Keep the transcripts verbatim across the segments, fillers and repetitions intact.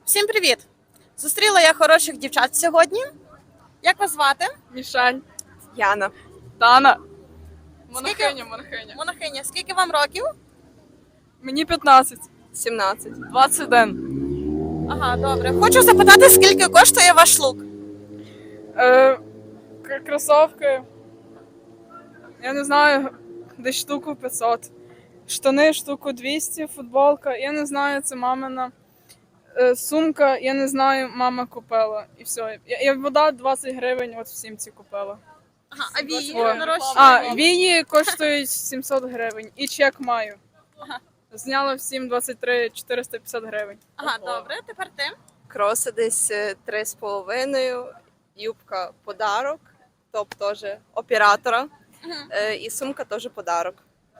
Всім привіт! Зустріла я хороших дівчат сьогодні. Як вас звати? Мішань, Яна. Тана. Скільки- Монахиня, монахиня. Монахиня, скільки вам років? Мені п'ятнадцять. сімнадцять. двадцять один. Ага, добре. Хочу запитати, скільки коштує ваш лук? Е, к- кросовки. Я не знаю, десь штуку п'ятсот. Штани штуку двісті, футболка. Я не знаю, це мамина. Е, сумка, я не знаю, мама купила. І все. Я, я вода двадцять гривень, от всім ці купила. Ага, а вії Ой. нарощування? А, вії коштують сімсот гривень. І чек маю. Ага. Зняла всім двадцять три чотириста п'ятдесят гривень. Ага, добре, тепер ти. Кроси десь е, три з половиною, юбка подарок, топ теж оператора. Мгм. Е, і сумка теж подарок.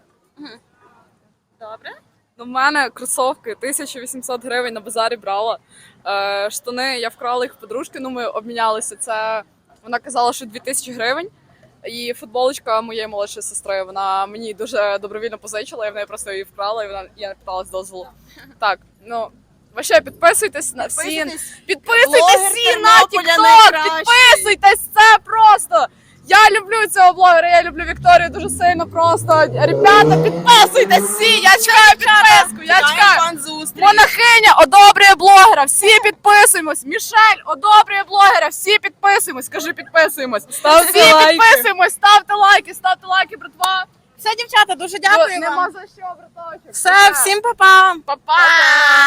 Добре. Ну, в мене кросовки тисяча вісімсот гривень на базарі брала. Е, штани я вкрала їх в подружки, ну ми обмінялися. Це вона казала, що дві тисячі гривень. І футболочка моєї молодшої сестри, вона мені дуже добровільно позичила, я в неї просто її вкрала, і вона я не питалась дозволу. Так, ну вообще підписуйтесь на всі. Підписуйтесь. Підписуйтесь Блогер всі на Тернополя TikTok, найкращий. підписуйтесь, це просто. Я люблю цього блогера, я люблю Вікторію дуже сильно просто. Ребята, підписуйтесь всі, я чекаю підписку, я чекаю. Пан зустріч. Монахиня одобрює блогера, всі підписуємось. Мішель одобрює блогера, всі підписуємось. Скажи, підписуємось. Ставте всі лайки. підписуємось, ставте лайки, ставте лайки, братва. Все, дівчата, дуже дякую Нема вам. за що, браточок. Все, всім па-па. Па-па.